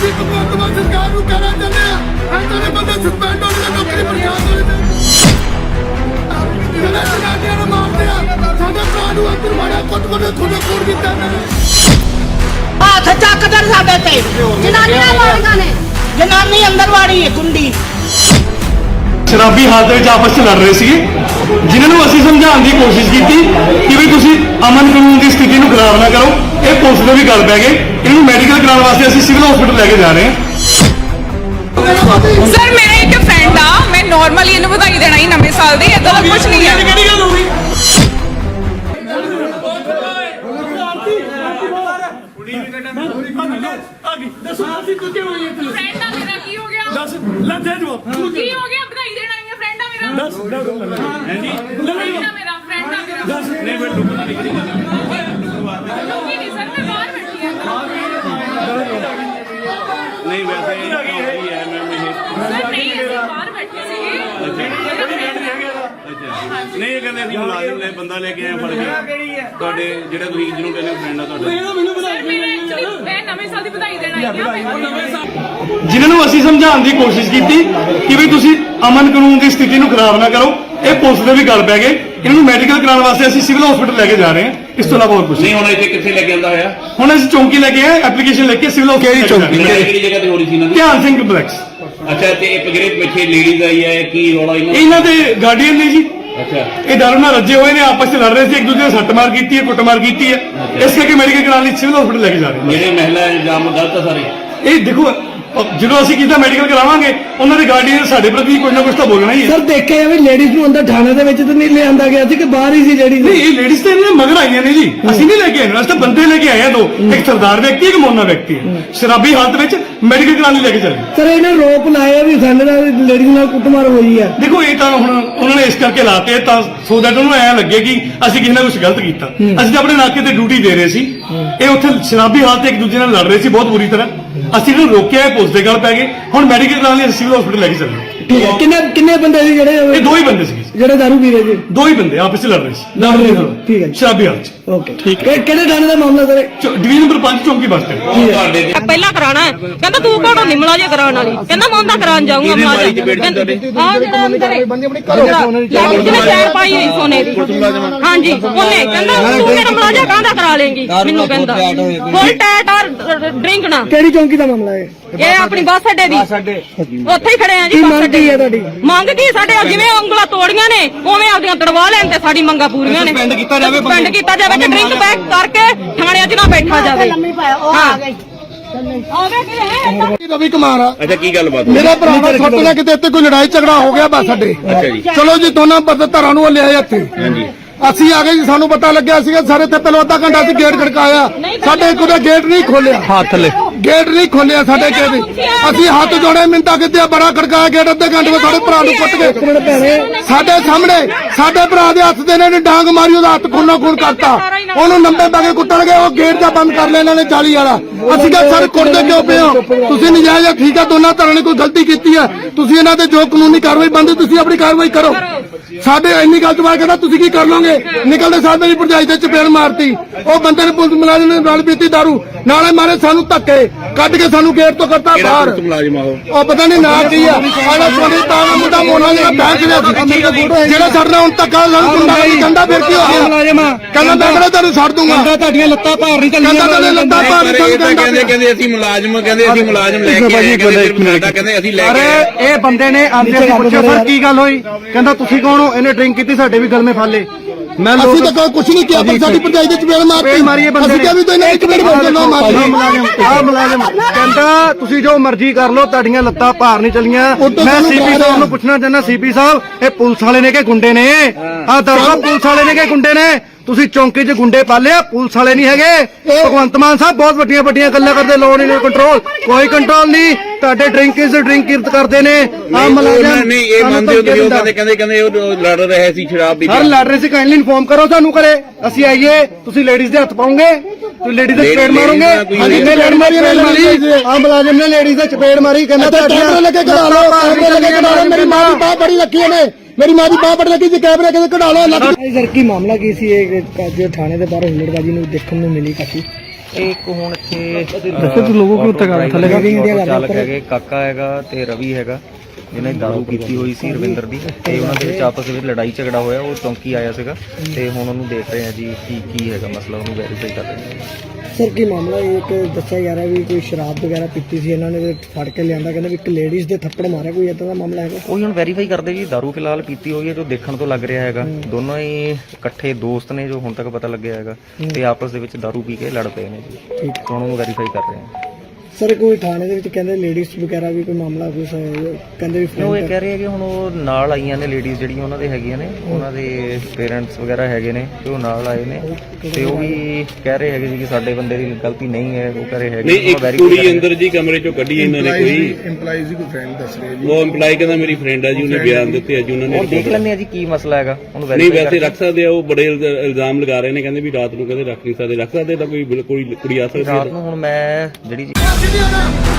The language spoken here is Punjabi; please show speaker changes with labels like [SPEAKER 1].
[SPEAKER 1] ਅਸੀਂ ਭਗਵੰਤ ਮਾਨ ਸਰਕਾਰ ਨੂੰ ਕਹਿਣਾ ਚਾਹੁੰਦੇ ਆ ਸਾਡੇ ਬੰਦੇ ਸਸਪੈਂਡ ਹੋਣ ਦੇ ਨੌਕਰੀ ਪ੍ਰਸ਼ਾਦ ਹੋਣੇ ਚਾਹੀਦੇ ਜਿਹੜੇ ਜਨਾਨੀਆਂ ਨੂੰ ਮਾਰਦੇ ਆ ਸਾਡੇ ਭਰਾ ਨੂੰ ਅੰਦਰ ਮਾਰਿਆ ਕੁੱਟ ਖੂਨ ਕੀਤਾ ਨੇ
[SPEAKER 2] ਹੱਥ ਚੱਕਦਰ ਸਾਡੇ ਤੇ ਜਨਾਨੀਆਂ ਮਾਰੀਆਂ ਨੇ ਜਨਾਨੀ ਅੰਦਰ ਵਾੜੀ ਹੈ ਕੁੰਡੀ
[SPEAKER 3] शराबी हालत में आपस में लड़ रहे थे जिन्होंने असी समझाने की कोशिश की कि भी तुम अमन कानून की स्थिति को खराब ना करो ये पुलिस में भी गल पै गए इन्होंने मैडिकल कराने वास्ते असी सिविल हॉस्पिटल लेके जा रहे हैं।
[SPEAKER 4] सर मेरा एक फ्रेंड आ मैं नॉर्मली इन्हें बधाई देना ही नवे साल दी इदा कुछ नहीं है।
[SPEAKER 5] नहीं वैसे है नहीं कहते असं मुलाजिम ले बंदा लेके आए फड़ के ਤੁਹਾਡੇ ਜਿਹੜੇ ਤੁਸੀਂ ਜਿਹਨੂੰ ਕਹਿੰਦੇ ਫਰੈਂਡ ਆ ਤੁਹਾਡੇ
[SPEAKER 3] जिन्होंने असी समझाने की कोशिश की कि भी तुम अमन कानून की स्थिति को खराब ना करो ये पुलिस में भी गल पै गए इन्होंने मैडिकल कराने वास्ते असी सिविल हॉस्पिटल लेके जा रहे हैं इस तो इलावा और कुछ
[SPEAKER 5] नहीं होना इतने कितने लेके आंदा होया
[SPEAKER 3] हुण असीं चौंकी लेके आए एप्लीकेशन लेके सिविल हॉस्पिटल चौंकी
[SPEAKER 5] किहड़ी जगह ते हो रही थी इन्हां दी
[SPEAKER 3] ध्यान सिंह कंपलैक्स
[SPEAKER 5] अच्छा ते पगड़े पिछे लेडीज आई है की रौला
[SPEAKER 3] इन्हां दे गार्डियन ने जी
[SPEAKER 5] अच्छा
[SPEAKER 3] ये दारू नाल रजे हुए ने आपस में लड़ रहे थे एक दूसरे सट्ट मार की है कुटमार की है इस करके मेडिकल कराने सिविल हॉस्पिटल लेके जा रहे हैं।
[SPEAKER 5] ਜਿਹੜੇ ਮਹਿਲਾ ਇਲਜ਼ਾਮ ਗਲਤ ਆ ਸਾਰੇ
[SPEAKER 3] ਇਹ ਦੇਖੋ ਜਦੋਂ ਅਸੀਂ ਕੀਤਾ ਮੈਡੀਕਲ ਕਰਾਵਾਂਗੇ ਉਹਨਾਂ ਦੇ ਗਾਰਡੀਅਨ ਸਾਡੇ ਪ੍ਰਤੀ ਕੁਝ ਨਾ ਕੁਝ ਤਾਂ ਬੋਲਣਾ ਹੀ ਹੈ।
[SPEAKER 6] ਸਰ ਦੇਖਿਆ ਵੀ ਲੇਡੀਜ਼ ਨੂੰ ਅੰਦਰ ਥਾਣੇ ਦੇ ਵਿੱਚ ਤਾਂ ਨਹੀਂ ਲਿਆਂਦਾ ਗਿਆ ਸੀ ਕਿ ਬਾਹਰ ਹੀ ਸੀ ਲੇਡੀਜ਼
[SPEAKER 3] ਨਹੀਂ ਇਹ ਲੇਡੀਜ਼ ਤੇ ਇਹਨਾਂ ਮਗਰ ਆਈਆਂ ਨੇ ਜੀ ਅਸੀਂ ਨਹੀਂ ਲੈ ਕੇ ਆਏ ਅਸੀਂ ਤਾਂ ਬੰਦੇ ਲੈ ਕੇ ਆਏ ਆ ਦੋ ਇੱਕ ਸਰਦਾਰ ਵਿਅਕਤੀ ਇੱਕ ਮੋਨਾ ਵਿਅਕਤੀ ਹੈ ਸ਼ਰਾਬੀ ਹਾਲਤ ਵਿੱਚ ਮੈਡੀਕਲ ਕਰਾਉਣ ਲਈ ਲੈ ਕੇ ਚੱਲੇ।
[SPEAKER 6] ਸਰ ਇਹਨੇ ਰੋਪ ਲਾਇਆ ਵੀ ਸਾਡੇ ਨਾਲ ਲੇਡੀਜ਼ ਨਾਲ ਕੁੱਟਮਾਰ ਹੋਈ ਹੈ।
[SPEAKER 3] ਦੇਖੋ ਇਹ ਤਾਂ ਹੁਣ ਉਹਨਾਂ ਨੇ ਇਸ ਕਰਕੇ ਲਾਤੇ ਤਾਂ ਸੋ ਦੈਟ ਉਹਨੂੰ ਐਂ ਲੱਗੇ ਕਿ ਅਸੀਂ ਕਿਸੇ ਨਾਲ ਕੁਝ ਗਲਤ ਕੀਤਾ ਅਸੀਂ ਤਾਂ ਆਪਣੇ ਨਾਕੇ ਤੇ ਡਿਊਟੀ ਦੇ ਰਹੇ ਸੀ ਇਹ ਉੱਥੇ ਸ਼ਰਾਬੀ ਹਾਲਤ ਇੱਕ ਦੂਜੇ ਨਾਲ ਲੜ ਰਹੇ ਸੀ ਬਹੁਤ ਬੁਰੀ ਤਰ੍ਹਾਂ ਅਸੀਂ ਇਹਨੂੰ ਰੋਕਿਆ ਪੁਲਿਸ ਦੇ ਗੱਲ ਪੈ ਗਏ ਹੁਣ ਮੈਡੀਕਲ ਕਰਾਉਣ ਲਈ ਸਿਵਲ ਹਸਪੀਟਲ ਲੈ ਕੇ ਚੱਲੇ।
[SPEAKER 6] ਠੀਕ ਹੈ ਕਿੰਨੇ ਬੰਦੇ ਸੀ ਜਿਹੜੇ
[SPEAKER 3] ਇਹ ਦੋ ਹੀ ਬੰਦੇ ਸੀ
[SPEAKER 6] ਜਿਹੜੇ ਦਾਰੂ ਪੀ ਰਹੇ ਸੀ
[SPEAKER 3] ਦੋ ਹੀ ਬੰਦੇ ਆਪਸ ਵਿੱਚ ਲੜ ਰਹੇ ਸੀ
[SPEAKER 6] ਲੜ ਰਹੇ ਸੀ ਠੀਕ ਹੈ
[SPEAKER 3] ਸ਼ਰਾਬੀ ਹਾਲਤ ਚ
[SPEAKER 6] ਓਕੇ ਠੀਕ ਹੈ ਕਿਹੜੇ ਥਾਣੇ ਦਾ ਮਾਮਲਾ ਸਰ
[SPEAKER 3] ਡਿਵੀਜ਼ਨ ਨੰਬਰ 5 ਚੌਂਕੀ ਬੱਸ ਸਟੈਂਡ
[SPEAKER 5] ਤੁਹਾਡੇ
[SPEAKER 4] ਪਹਿਲਾਂ ਕਰਾਣਾ ਹੈ ਕਹਿੰਦਾ ਤੂੰ ਕੋੜੋ ਨਿਮਲਾ ਜੇ ਕਰਾਉਣ ਵਾਲੀ ਕਹਿੰਦਾ ਮੈਂ ਉਹਦਾ ਕਰਾਉਣ ਜਾਊਂਗਾ ਮੁਲਾਜ਼ਮ ਹਾਂ ਜਿਹੜਾ ਅੰਦਰ ਜਿਹਨੇ ਚੈਨ ਪਾਈ ਹੋਈ ਸੋਨੇ ਦੀ ਹਾਂਜੀ ਉਹਨੇ ਕਹਿੰਦਾ ਤੂੰ ਮੇਰਾ ਮੁਲਾਜ਼ਮ ਕਾਹਦਾ ਕਰਾ ਲੇਂਗੀ ਮੈਨੂੰ ਕਹਿੰਦਾ ਫੁੱਲ ਟੈਟ ਔਰ ਡਰਿੰਕ ਨਾ
[SPEAKER 6] ਕਿਹੜੀ ਚੌਂਕੀ ਦਾ ਮਾਮਲਾ ਹੈ
[SPEAKER 4] ਇਹ ਆਪਣੀ ਬੱਸ ਅੱਡੇ ਦੀ ਉੱਥੇ ਹੀ ਖੜੇ ਆ ਜੀ
[SPEAKER 6] ਕੀ
[SPEAKER 4] ਬੱਸ
[SPEAKER 6] ਮੰਗ
[SPEAKER 4] ਅੱਡੇ
[SPEAKER 6] ਕੀ ਹੈ ਤੁਹਾਡੀ
[SPEAKER 4] ਮੰਗ ਕੀ ਸਾਡੇ ਜਿਵੇਂ ਉਂਗਲਾਂ ਤੋੜੀਆਂ ਨੇ ਉਵੇਂ ਆਪਦੀਆਂ ਤੜਵਾ ਲੈਣ ਤੇ ਸਾਡੀ ਮੰਗਾਂ ਪੂਰੀਆਂ ਨੇ ਸਸਪੈਂਡ ਕੀਤਾ ਜਾਵੇ ਕਿ ਡਰਿੰਕ ਪੈਕ ਕਰਕੇ ਥਾਣਿਆਂ 'ਚ ਨਾ ਬੈਠਾ ਜਾਵੇ ਹਾਂ
[SPEAKER 1] ਰਵੀ ਕੁਮਾਰ ਆ
[SPEAKER 5] ਅੱਛਾ ਕੀ ਗੱਲਬਾਤ
[SPEAKER 1] ਮੇਰਾ ਭਰਾ ਨਾਲ ਛੋਟੇ ਕਿਤੇ ਇੱਥੇ ਕੋਈ ਲੜਾਈ ਝਗੜਾ ਹੋ ਗਿਆ ਬਸ ਸਾਡੇ
[SPEAKER 5] ਅੱਛਾ ਜੀ
[SPEAKER 1] ਚਲੋ ਜੀ ਦੋਨਾਂ ਧਰਾਂ ਨੂੰ ਲਿਆਏ ਇੱਥੇ
[SPEAKER 5] ਹਾਂਜੀ
[SPEAKER 1] ਅਸੀਂ ਆ ਗਏ ਜੀ ਸਾਨੂੰ ਪਤਾ ਲੱਗਿਆ ਸੀਗਾ ਸਾਰੇ ਇੱਥੇ ਪਹਿਲਾਂ ਅੱਧਾ ਘੰਟਾ ਅਸੀਂ ਗੇਟ ਖੜਕਾਇਆ ਸਾਡੇ ਕੋਲ ਗੇਟ ਨਹੀਂ ਖੋਲਿਆ ਹੱਥ ਲੈ ਗੇਟ ਨਹੀਂ ਖੋਲਿਆ ਸਾਡੇ ਗੇਟ ਅਸੀਂ ਹੱਥ ਜੋੜੇ ਮਿੰਤਾ ਕਿਤੇ ਬੜਾ ਖੜਕਾਇਆ ਗੇਟ ਅੱਧੇ ਘੰਟੇ ਵਿੱਚ ਸਾਡੇ ਭਰਾ ਨੂੰ ਕੁੱਟ ਕੇ ਸਾਡੇ ਸਾਹਮਣੇ ਸਾਡੇ ਭਰਾ ਦੇ ਹੱਥ ਦੇ ਨੇ ਡਾਂਗ ਮਾਰੀ ਉਹਦਾ ਹੱਥ ਖੂਨੋ ਖੂਨ ਕਰਤਾ ਉਹਨੂੰ ਲੰਬੇ ਪਾ ਕੇ ਕੁੱਟਣਗੇ ਉਹ ਗੇਟ ਦਾ ਬੰਦ ਕਰ ਲਿਆ ਇਹਨਾਂ ਨੇ ਜਾਲੀ ਵਾਲਾ ਅਸੀਂ ਕਿਹਾ ਸਰ ਕੁੱਟਦੇ ਕਿਉਂ ਪਏ ਹੋ ਤੁਸੀਂ ਨਜਾਇਜ਼ ਠੀਕ ਆ ਦੋਨਾਂ ਧਰਾਂ ਨੇ ਕੋਈ ਗਲਤੀ ਕੀਤੀ ਹੈ ਤੁਸੀਂ ਇਹਨਾਂ ਤੇ ਜੋ ਕਾਨੂੰਨੀ ਕਾਰਵਾਈ ਬਣਦੀ ਤੁਸੀਂ ਆਪਣੀ ਕਾਰਵਾਈ ਕਰੋ ਸਾਡੇ ਇੰਨੀ ਗੱਲ ਤੋਂ ਬਾਅਦ ਕਹਿੰਦਾ ਤੁਸੀਂ ਕੀ ਕਰ ਲੋਗੇ ਨਿਕਲਦੇ ਸਾਹ ਮੇਰੀ ਭਰਜਾਈ ਤੇ ਚਪੇੜ ਮਾਰਤੀ ਉਹ ਬੰਦੇ ਨੇ ਪੁਲਿਸ ਮੁਲਾਜ਼ਮ ਨੇ ਨਾਲ ਪੀਤੀ ਦਾਰੂ ਨਾਲੇ ਮਾਰੇ ਸਾਨੂੰ ਧੱਕੇ ਕੱਢ ਕੇ ਸਾਨੂੰ ਗੇਟ ਤੋਂ ਕਰਤਾ ਬਾਹਰ
[SPEAKER 5] ਮੁਲਾਜ਼ਮ ਆਓ
[SPEAKER 1] ਉਹ ਪਤਾ ਨਹੀਂ ਨਾਂ ਕੀ ਆ ਆਲਾ ਸੋਨੇ ਤਾਂ ਮੁੰਡਾ ਮੋਨਾ ਜਿਹੜਾ ਬੈਂਕ ਦੇ ਜਿਹੜਾ ਛੱਡਣਾ ਹੁਣ ਧੱਕਾ ਸਾਨੂੰ ਗੁੰਡਾ ਕਹਿੰਦਾ ਫਿਰ ਕੀ ਹੋ ਗਿਆ ਕਹਿੰਦਾ ਮੈਂ ਕਿਹੜਾ ਤੈਨੂੰ ਛੱਡ ਦੂੰਗਾ
[SPEAKER 6] ਤੁਹਾਡੀਆਂ ਲੱਤਾਂ ਭਾਰ ਨਹੀਂ
[SPEAKER 1] ਕਹਿੰਦਾ ਤੇਰੇ ਲੱਤਾਂ ਭਾਰ ਨਹੀਂ
[SPEAKER 5] ਕਹਿੰਦੇ ਅਸੀਂ ਮੁਲਾਜ਼ਮ ਲੈ ਕੇ ਆਏ ਕਹਿੰਦੇ ਅਸੀਂ ਲੈ ਕੇ
[SPEAKER 6] ਅਰੇ ਇਹ ਬੰਦੇ ਨੇ ਆਂਦੇ ਸੀ ਪੁੱਛਿਆ ਸਰ ਕੀ ਗੱਲ ਹੋਈ ਕਹਿੰਦਾ ਤੁਸੀਂ ਕੌਣ ਹੋ ਇਹਨੇ ਡਰਿੰਕ ਕੀਤੀ ਸਾਡੇ ਵੀ ਗਲਮੇ ਫਾਲੇ ਮੈਂ
[SPEAKER 1] ਅਸੀਂ ਤਾਂ ਕੁਝ ਨਹੀਂ ਕੀਤਾ ਪਰ ਸਾਡੀ ਭਰਜਾਈ ਦੇ ਚਪੇੜ ਮਾਰਤੀ ਅਸੀਂ ਕਿਹਾ ਵੀ ਤੂੰ ਇਹਨਾਂ ਇੱਕ ਮਿੰਟ ਬੋਲ ਨਾ ਮਾਰ
[SPEAKER 6] ਮੁਲਾਜ਼ਮ ਕਹਿੰਦਾ ਤੁਸੀਂ ਜੋ ਮਰਜ਼ੀ ਕਰ ਲਓ ਤੁਹਾਡੀਆਂ ਲੱਤਾਂ ਭਾਰ ਨਹੀਂ ਚਲੀਆਂ ਮੈਂ ਸੀਪੀ ਸਾਹਿਬ ਨੂੰ ਪੁੱਛਣਾ ਚਾਹੁੰਦਾ ਸੀਪੀ ਸਾਹਿਬ ਇਹ ਪੁਲਿਸ ਵਾਲੇ ਨੇ ਕਿ ਗੁੰਡੇ ਨੇ ਆਹ ਦੱਸੋ ਪੁਲਿਸ ਵਾਲੇ ਨੇ ਕਿ ਗੁੰਡੇ ਨੇ ਤੁਸੀਂ ਚੌਂਕੀ 'ਚ ਗੁੰਡੇ ਪਾਲੇ ਆ ਪੁਲਿਸ ਵਾਲੇ ਨਹੀਂ ਹੈਗੇ ਭਗਵੰਤ ਮਾਨ ਸਾਹਿਬ ਬਹੁਤ ਵੱਡੀਆਂ ਗੱਲਾਂ ਕਰਦੇ ਲੋ ਨਹੀਂ ਕੰਟਰੋਲ ਕੋਈ ਕੰਟਰੋਲ ਨਹੀਂ ਤੁਹਾਡੇ ਡਰਿੰਕ ਕਰਦੇ ਨੇ ਆ ਮਲਾਜ਼ਮ
[SPEAKER 5] ਨਹੀਂ ਇਹ ਮੰਨਦੇ ਹੋ ਤੁਸੀਂ ਉਹ ਕਹਿੰਦੇ ਉਹ ਲੜ ਰਹੇ ਸੀ ਸ਼ਰਾਬ ਪੀ ਕੇ
[SPEAKER 6] ਸਰ ਲੜ ਰਹੇ ਸੀ ਕਾਈਂਡਲੀ ਇਨਫੋਰਮ ਕਰੋ ਸਾਨੂੰ ਕਰੇ ਅਸੀਂ ਆਈਏ ਤੁਸੀਂ ਲੇਡੀਜ਼ ਦੇ ਹੱਥ ਪਾਉਂਗੇ ਤੁਸੀਂ ਲੇਡੀਜ਼ ਦੇ ਚਪੇੜ ਮਾਰੋਗੇ ਜਿੰਨੇ ਲੜ ਮਾਰੀ ਆ ਮੁਲਾਜ਼ਮ ਨੇ ਲੇਡੀਜ਼ ਦੇ ਚਪੇੜ ਮਾਰੀ ਕਹਿੰਦਾ
[SPEAKER 1] ਕੈਮਰੇ ਲੱਗੇ ਕਢਾ ਲਓ ਮੇਰੀ ਮਾਂ ਦੀ ਬਾਹ ਬੜੀ ਲੱਗੀ ਨੇ ਮੇਰੀ ਮਾਂ ਦੀ ਬਾਹ ਬੜੀ ਲੱਗੀ ਜੀ ਕੈਮਰੇ ਕਿਤੇ ਕਢਾ ਲਓ
[SPEAKER 6] ਸਰ ਕੀ ਮਾਮਲਾ ਕੀ ਸੀ ਇਹ ਜੋ ਥਾਣੇ ਦੇ ਬਾਹਰ ਹੁਲੜਬਾਜੀ ਨੂੰ ਦੇਖਣ ਨੂੰ ਮਿਲੀ ਕਾਫੀ
[SPEAKER 7] ਇਹ ਇੱਕ ਹੁਣ ਇੱਥੇ
[SPEAKER 6] ਦੱਸੋ ਤੂੰ ਲੋਗੋ ਕਿਉਂ ਉੱਤੇ ਕਰ ਥੱਲੇ
[SPEAKER 7] ਆਟੋ ਚਾਲਕ ਹੈਗੇ, ਕਾਕਾ ਹੈਗਾ ਤੇ ਰਵੀ ਹੈਗਾ, ਜਿਹਨੇ ਦਾਰੂ ਪੀਤੀ ਹੋਈ ਸੀ ਰਵਿੰਦਰ ਦੀ, ਤੇ ਉਹਨਾਂ ਦੇ ਵਿੱਚ ਆਪਸ ਵਿੱਚ ਲੜਾਈ ਝਗੜਾ ਹੋਇਆ। ਉਹ ਚੌਂਕੀ ਆਇਆ ਸੀਗਾ ਤੇ ਹੁਣ ਉਹਨੂੰ ਦੇਖ ਰਹੇ ਆ ਜੀ ਕੀ ਹੈਗਾ ਮਸਲਾ, ਉਹਨੂੰ ਵੈਰੀਫਾਈ ਕਰ ਰਹੇ ਆ।
[SPEAKER 8] ਸਰ ਕੀ ਮਾਮਲਾ ਇੱਕ ਦੱਸਿਆ ਜਾ ਰਿਹਾ ਵੀ ਕੋਈ ਸ਼ਰਾਬ ਵਗੈਰਾ ਪੀਤੀ ਸੀ ਇਹਨਾਂ ਨੇ ਫੜ ਕੇ ਲਿਆਂਦਾ, ਕਹਿੰਦੇ ਵੀ ਇੱਕ ਲੇਡੀਜ਼ ਦੇ ਥੱਪੜ ਮਾਰਿਆ, ਕੋਈ ਏਦਾਂ ਦਾ ਮਾਮਲਾ ਹੈਗਾ?
[SPEAKER 7] ਉਹੀ ਹੁਣ ਵੈਰੀਫਾਈ ਕਰਦੇ ਜੀ। ਦਾਰੂ ਫਿਲਹਾਲ ਪੀਤੀ ਹੋਈ ਹੈ ਜੋ ਦੇਖਣ ਤੋਂ ਲੱਗ ਰਿਹਾ ਹੈਗਾ। ਦੋਨੋਂ ਹੀ ਇਕੱਠੇ ਦੋਸਤ ਨੇ ਜੋ ਹੁਣ ਤੱਕ ਪਤਾ ਲੱਗਿਆ ਹੈਗਾ, ਤੇ ਆਪਸ ਦੇ ਵਿੱਚ ਦਾਰੂ ਪੀ ਕੇ ਲੜ ਪਏ ਨੇ ਜੀ।
[SPEAKER 8] ਠੀਕ।
[SPEAKER 7] ਹੁਣ ਉਹਨੂੰ ਵੈਰੀਫਾਈ ਕਰ ਰਹੇ ਆ।
[SPEAKER 8] ਸਰ ਕੋਈ ਥਾਣੇ ਦੇ ਵਿੱਚ ਕਹਿੰਦੇ ਲੇਡੀਜ਼ ਵਗੈਰਾ ਵੀ ਕੋਈ ਮਾਮਲਾ ਕੁਛ ਕਹਿੰਦੇ ਵੀ
[SPEAKER 7] ਉਹ ਇਹ ਕਹਿ ਰਹੇ ਆ ਕਿ ਹੁਣ ਉਹ ਨਾਲ ਆਈਆਂ ਨੇ ਲੇਡੀਜ਼ ਜਿਹੜੀਆਂ ਉਹਨਾਂ ਦੇ ਹੈਗੀਆਂ ਨੇ, ਉਹਨਾਂ ਦੇ ਪੇਰੈਂਟਸ ਵਗੈਰਾ ਹੈਗੇ ਨੇ ਤੇ ਉਹ ਨਾਲ ਆਏ ਨੇ, ਤੇ ਉਹ ਵੀ ਕਹਿ ਰਹੇ ਹੈਗੇ ਜੀ ਕਿ ਸਾਡੇ ਬੰਦੇ ਦੀ ਗਲਤੀ ਨਹੀਂ ਹੈ। ਉਹ ਕਹਿ ਰਹੇ ਹੈਗੇ
[SPEAKER 5] ਨਹੀਂ, ਇੱਕ ਕੁੜੀ ਅੰਦਰ ਜੀ ਕਮਰੇ ਚੋਂ ਕੱਢੀ ਇਹਨਾਂ ਨੇ, ਕੋਈ
[SPEAKER 1] EMPLOYEES ਦੀ ਕੋਈ ਫਰੈਂਡ ਦੱਸ ਰਹੇ ਜੀ।
[SPEAKER 5] ਉਹ EMPLOYE ਕਹਿੰਦਾ ਮੇਰੀ ਫਰੈਂਡ ਆ ਜੀ, ਉਹਨੇ ਬਿਆਨ ਦਿੱਤੇ ਆ ਜੀ ਉਹਨਾਂ ਨੇ।
[SPEAKER 7] ਉਹ ਦੇਖ ਲੈਂਦੇ ਆ ਜੀ ਕੀ ਮਸਲਾ ਹੈਗਾ, ਉਹਨੂੰ
[SPEAKER 5] ਨਹੀਂ
[SPEAKER 7] ਵੈਰੀਫਾਈ
[SPEAKER 5] ਵੈਸੇ ਰੱਖ ਸਕਦੇ ਆ, ਉਹ ਬੜੇ ਇਲਜ਼ਾਮ ਲਗਾ ਰਹੇ ਨੇ, ਕਹਿੰਦੇ ਵੀ ਰਾਤ ਨੂੰ ਕਹਿੰਦੇ ਰੱਖ ਨਹੀਂ ਸਕਦੇ। ਰੱਖ ਸਕਦੇ ਤਾਂ ਕੋਈ ਕੁੜੀ ਆ ਸਕਦੀ ਹੈ
[SPEAKER 7] ਰਾਤ ਨੂੰ ਹੁਣ ਮੈਂ ਜਿਹੜੀ